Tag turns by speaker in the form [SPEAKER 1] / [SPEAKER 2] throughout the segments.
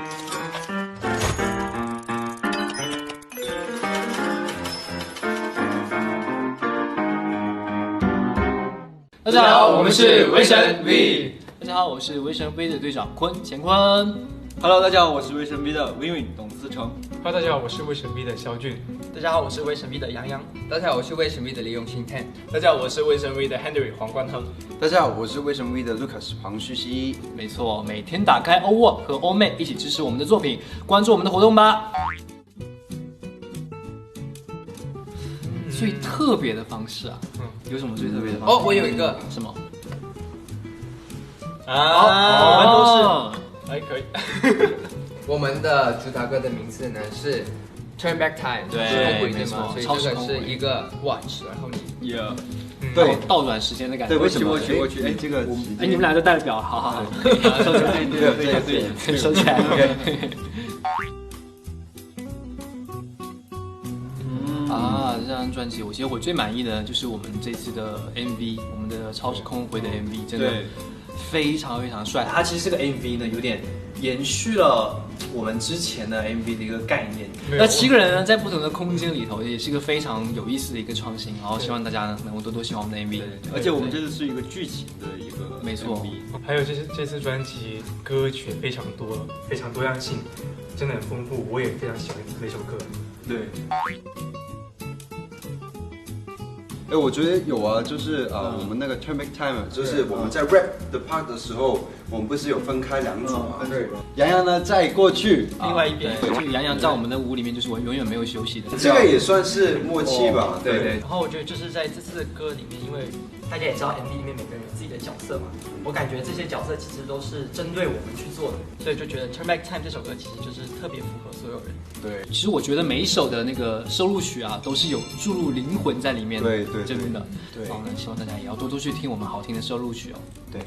[SPEAKER 1] 大家好，我们是威神 V。大家好，我是威神 V 的队长乾坤。
[SPEAKER 2] Hello， 大家好，我是威神 V 的 Win 董思成。
[SPEAKER 3] Hello， 大家好，我是威神 V 的肖俊。
[SPEAKER 4] 大家好，我是威神 V 的杨洋。
[SPEAKER 5] 大家好，我是威神 V 的李永新 Ten。
[SPEAKER 6] 大家好，我是威神 V 的 Henry 黄冠亨。
[SPEAKER 7] 大家好，我是威神 V 的 Lucas 黄旭熙。
[SPEAKER 1] 没错，每天打开欧沃和欧妹一起支持我们的作品，关注我们的活动吧。最特别的方式啊，有什么最特别的方式？
[SPEAKER 5] 哦，我有一个
[SPEAKER 1] 什么？
[SPEAKER 6] 我们都是还可以。
[SPEAKER 5] 我们的主打歌的名字呢是 Turn Back Time，
[SPEAKER 1] 对，
[SPEAKER 5] 没错，所以这个是一个 watch， 然后你
[SPEAKER 7] 对
[SPEAKER 1] 倒转时间的感觉。
[SPEAKER 7] 对，为什么？哎，这个
[SPEAKER 1] 哎，你们俩就带着表，好好好，收起来，对，收起来。啊，这张专辑，其实我最满意的就是我们这次的 MV， 我们的超时空回的 MV， 真的非常非常帅。它其实这个 MV 呢，有点延续了我们之前的 MV 的一个概念。那7个人呢，在不同的空间里头，也是一个非常有意思的一个创新。然后希望大家呢，能够多多喜欢我们的 MV。
[SPEAKER 2] 而且我们这次是一个剧情的一个 MV，
[SPEAKER 1] 没错。
[SPEAKER 3] 还有这次专辑歌曲非常多，非常多样性，真的很丰富。我也非常喜欢每首歌。
[SPEAKER 2] 对。
[SPEAKER 7] 哎，我觉得有啊，就是我们那个 Turn Back Time， 就是我们在 rap 的 part 的时候，我们不是有分开两组嘛？对。杨洋呢在过去，
[SPEAKER 1] 另外一边，就杨洋在我们的舞里面就是我永远没有休息的。
[SPEAKER 7] 这个也算是默契吧？
[SPEAKER 1] 对。
[SPEAKER 4] 然后我觉得就是在这次的歌里面，因为大家也知道 MV 里面每个人有自己的角色嘛，我感觉这些角色其实都是针对我们去做的，所以就觉得 Turn Back Time 这首歌其实就是特别符合所有人。
[SPEAKER 7] 对，
[SPEAKER 1] 其实我觉得每一首的那个收录曲啊，都是有注入灵魂在里面的。
[SPEAKER 7] 对，
[SPEAKER 1] 真的。
[SPEAKER 7] 对。
[SPEAKER 1] 然后呢，希望大家也要多多去听我们好听的收录曲哦。
[SPEAKER 7] 对。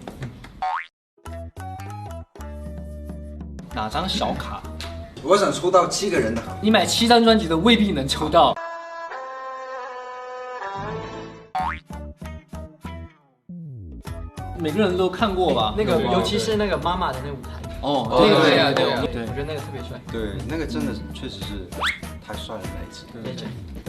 [SPEAKER 1] 哪张小卡？
[SPEAKER 7] 我想抽到7个人的。
[SPEAKER 1] 你买7张专辑的未必能抽到。每个人都看过吧？
[SPEAKER 4] 那个，尤其是那个妈妈的那舞台。
[SPEAKER 1] 哦，
[SPEAKER 5] 对，
[SPEAKER 4] 我觉得那个特别帅。
[SPEAKER 7] 对，那个真的确实是太帅了那一次。
[SPEAKER 4] 对。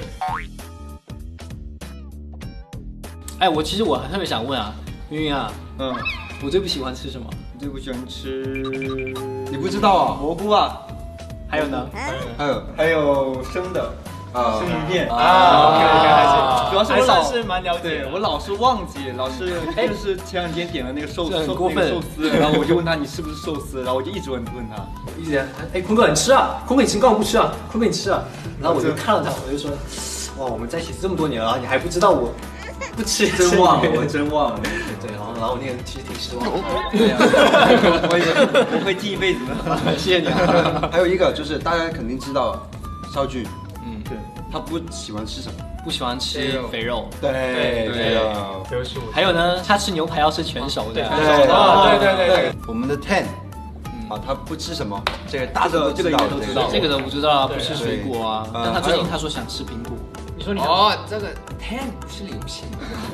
[SPEAKER 1] 哎，其实我特别想问啊，云云啊，我最不喜欢吃什么？
[SPEAKER 2] 你最不喜欢吃？
[SPEAKER 7] 你不知道啊？
[SPEAKER 2] 蘑菇啊？
[SPEAKER 1] 还有呢？
[SPEAKER 2] 还有生的生鱼片
[SPEAKER 6] 啊。主要是我
[SPEAKER 2] 老
[SPEAKER 6] 是蛮了解，
[SPEAKER 2] 我老是忘记，老是就是前两天点了那个寿司，然后我就问他你是不是寿司，然后我就一直问他，
[SPEAKER 1] 一直哎，坤哥你吃啊，坤哥你吃，干嘛不吃啊？坤哥你吃啊？然后我就看了他，我就说，哇，我们在一起这么多年了，你还不知道我不吃？
[SPEAKER 2] 真忘了，我真忘了。
[SPEAKER 1] 对，然后我那个其实挺失望的。
[SPEAKER 2] 对呀，我会记一辈子的。
[SPEAKER 1] 谢谢你啊。
[SPEAKER 7] 还有一个就是大家肯定知道，邵俊，
[SPEAKER 2] 对，
[SPEAKER 7] 他不喜欢吃什么？
[SPEAKER 1] 不喜欢吃肥肉。
[SPEAKER 7] 对。
[SPEAKER 1] 还有呢，他吃牛排要吃全熟的。
[SPEAKER 6] 对。
[SPEAKER 7] 我们的 Ten，他不吃什么？这个大家都知道。
[SPEAKER 1] 这个都不知道啊，不吃水果啊。但他最近他说想吃苹果。
[SPEAKER 4] 你说你
[SPEAKER 5] 这个 Ten 不是流行。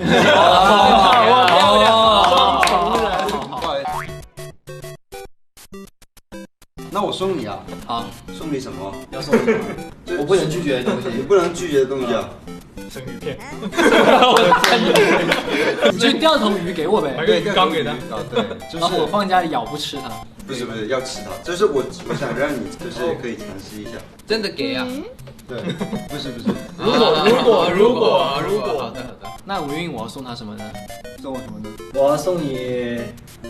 [SPEAKER 7] 那我送你啊！
[SPEAKER 1] 好，
[SPEAKER 7] 送你什么？
[SPEAKER 1] 要送你什么？我不能拒绝的东西。
[SPEAKER 7] 你不能拒绝的东西啊！
[SPEAKER 3] 生鱼片。
[SPEAKER 1] 你就钓头鱼给我呗。
[SPEAKER 3] 买个鱼缸给他。
[SPEAKER 7] 对，
[SPEAKER 1] 就是我放家里咬不吃它。
[SPEAKER 7] 不是要吃它，就是我想让你就是可以尝试一下。
[SPEAKER 5] 真的给啊？
[SPEAKER 7] 对，不是。
[SPEAKER 5] 如果，好的。
[SPEAKER 1] 那吴韵我要送他什么呢？
[SPEAKER 2] 送我什么呢？
[SPEAKER 6] 我要送你，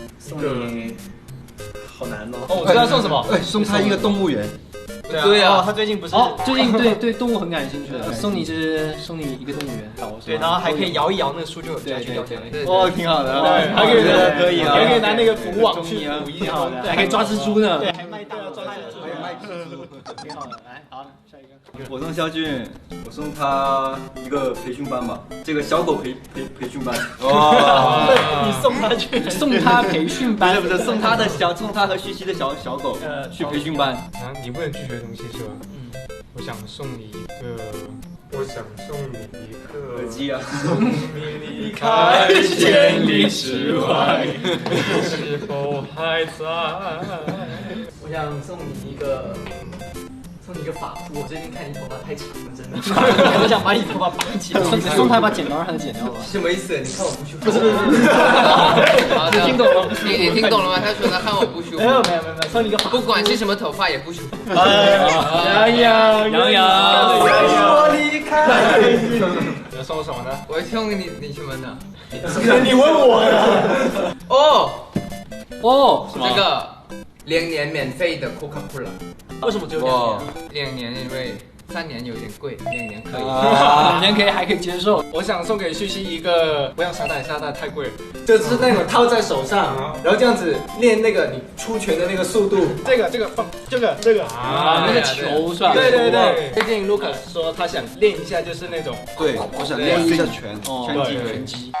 [SPEAKER 6] 好难哦。
[SPEAKER 1] 我知道送什么。
[SPEAKER 7] 送他一个动物园。
[SPEAKER 4] 对啊，他最近不是
[SPEAKER 1] 最近对动物很感兴趣的，送你一个动物园。
[SPEAKER 4] 对，然后还可以摇一摇那个书就有家具掉下来。
[SPEAKER 2] 哦，挺好的。
[SPEAKER 6] 还可以
[SPEAKER 2] 可以啊，
[SPEAKER 6] 还可以拿那个捕网去捕一条，
[SPEAKER 1] 还可以抓蜘蛛呢。
[SPEAKER 4] 对，还卖大的抓蜘蛛，
[SPEAKER 7] 还有卖蜘蛛，
[SPEAKER 1] 挺好的。来，好，下一个。
[SPEAKER 2] 我送肖俊，我送他一个培训班吧，这个小狗培训班。
[SPEAKER 4] 哇！你送他去？
[SPEAKER 1] 送他培训班？
[SPEAKER 2] 不是，送他和旭熙的小狗去培训班。
[SPEAKER 3] 啊，你不能拒绝的东西是吧？我想送你一个
[SPEAKER 2] 耳机啊。
[SPEAKER 3] 送你离开千里之外，是否还在？
[SPEAKER 4] 我我想送你一个发箍。我最近看你头发太长了，真的，我想把你头发绑起来。
[SPEAKER 1] 送他一把剪刀，让他剪掉吧。
[SPEAKER 5] 什么意思？你看我不舒服？
[SPEAKER 4] 不是。
[SPEAKER 5] 好的，
[SPEAKER 4] 听懂了？
[SPEAKER 5] 你听懂了吗？他说他看我不舒服。
[SPEAKER 4] 没有，送你一个发箍。
[SPEAKER 5] 不管是什么头发也不舒服。
[SPEAKER 4] 杨洋，
[SPEAKER 1] 我离开。
[SPEAKER 3] 你要送我什么呢？
[SPEAKER 5] 我送你什么呢？
[SPEAKER 4] 你问我的。
[SPEAKER 5] 哦，这个2年免费的 Coca-Cola。
[SPEAKER 4] 为什么只有2年？
[SPEAKER 5] 2年，因为3年有点贵，2年可以。
[SPEAKER 1] 2年还可以接受。
[SPEAKER 3] 我想送给旭旭一个，不要沙袋太贵了。
[SPEAKER 6] 就是那种套在手上，然后这样子练那个你出拳的那个速度。
[SPEAKER 3] 这个放这个
[SPEAKER 1] 啊，那个球是吧？
[SPEAKER 3] 对。最近 Lucas 说他想练一下，就是那种。
[SPEAKER 7] 对，我想练一下拳
[SPEAKER 1] 击。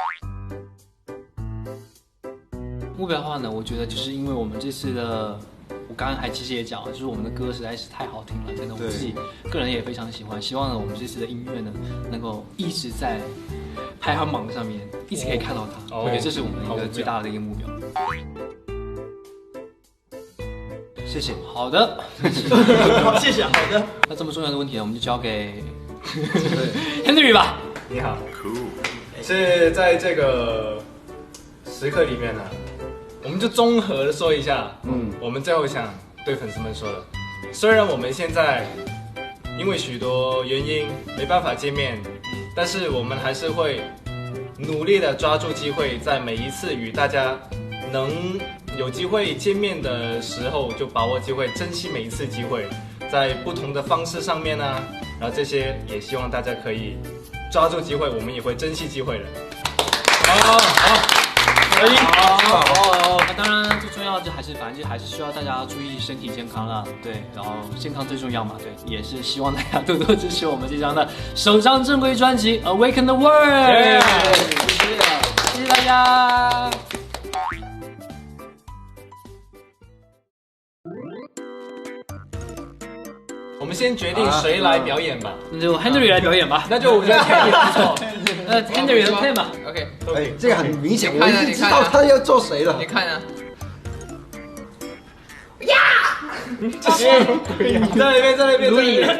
[SPEAKER 1] 目标的话呢，我觉得就是因为我们这次的。我刚刚其实也讲了，就是我们的歌实在是太好听了，真的，我自己个人也非常喜欢。希望呢，我们这次的音乐呢，能够一直在排行榜上面，一直可以看到它。我觉得这是我们一个最大的一个目标。谢谢。好的。
[SPEAKER 4] 谢谢。好的。
[SPEAKER 1] 那这么重要的问题呢，我们就交给Henry 吧。
[SPEAKER 3] 你好。是在这个时刻里面呢。我们就综合的说一下，我们最后想对粉丝们说的，虽然我们现在因为许多原因没办法见面，但是我们还是会努力的抓住机会，在每一次与大家能有机会见面的时候，就把握机会，珍惜每一次机会，在不同的方式上面呢，然后这些也希望大家可以抓住机会，我们也会珍惜机会的。好。
[SPEAKER 1] 那当然最重要的反正还是需要大家注意身体健康啦，对，然后健康最重要嘛，对，也是希望大家多多支持我们这张的首张正规专辑《Awaken the World》，谢谢大家。
[SPEAKER 3] 我们先决定谁来表演吧，
[SPEAKER 1] 那就 Henry 来表演吧，
[SPEAKER 3] 那就我觉得 Henry 不错。
[SPEAKER 1] Henry 的 plan 吧
[SPEAKER 5] ，OK，
[SPEAKER 7] 哎，这个很明显，我已经知道他要做谁了。
[SPEAKER 5] 你看啊，
[SPEAKER 6] 呀！在那边，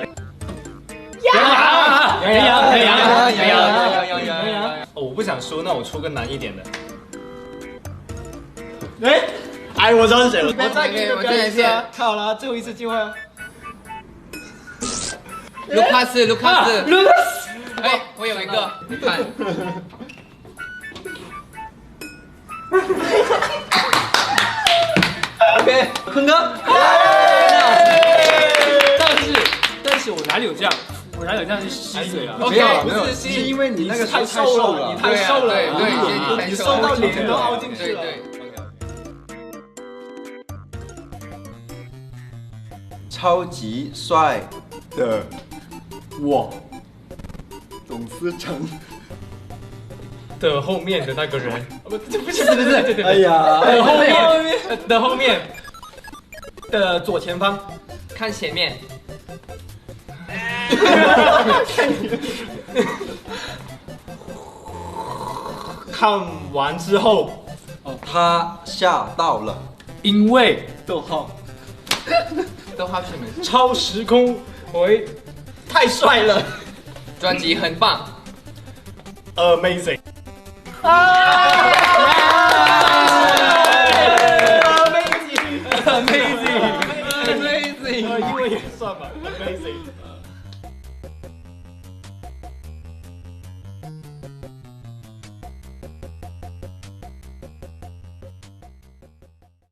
[SPEAKER 3] 杨！我不想输，那我出个难一点的。
[SPEAKER 6] 哎，我知道是谁了。
[SPEAKER 5] 我再给你们表演一次，
[SPEAKER 6] 好了，最后一次机会啊。
[SPEAKER 5] 卢卡斯，哎，我有一个，你看。
[SPEAKER 6] OK， 坤哥。
[SPEAKER 1] 但是我哪里有这样？我哪有这样去吸嘴啊？
[SPEAKER 7] 没有，是因为你那个太瘦了，
[SPEAKER 6] 你太瘦了，
[SPEAKER 5] 对，
[SPEAKER 6] 你瘦到脸都凹进去了。
[SPEAKER 7] 超级帅的我，董思成
[SPEAKER 3] 的后面的那个人，不是，
[SPEAKER 6] 哎呀，
[SPEAKER 3] 后面的左前方，
[SPEAKER 5] 看前面，
[SPEAKER 3] 看完之后，
[SPEAKER 7] 他吓到了，
[SPEAKER 1] 因为
[SPEAKER 6] 逗号
[SPEAKER 5] 是没错，
[SPEAKER 3] 超时空回
[SPEAKER 6] 太帅了，
[SPEAKER 5] 专辑很棒
[SPEAKER 3] ，Amazing。
[SPEAKER 6] Amazing，
[SPEAKER 3] 因为也算吧 ，Amazing。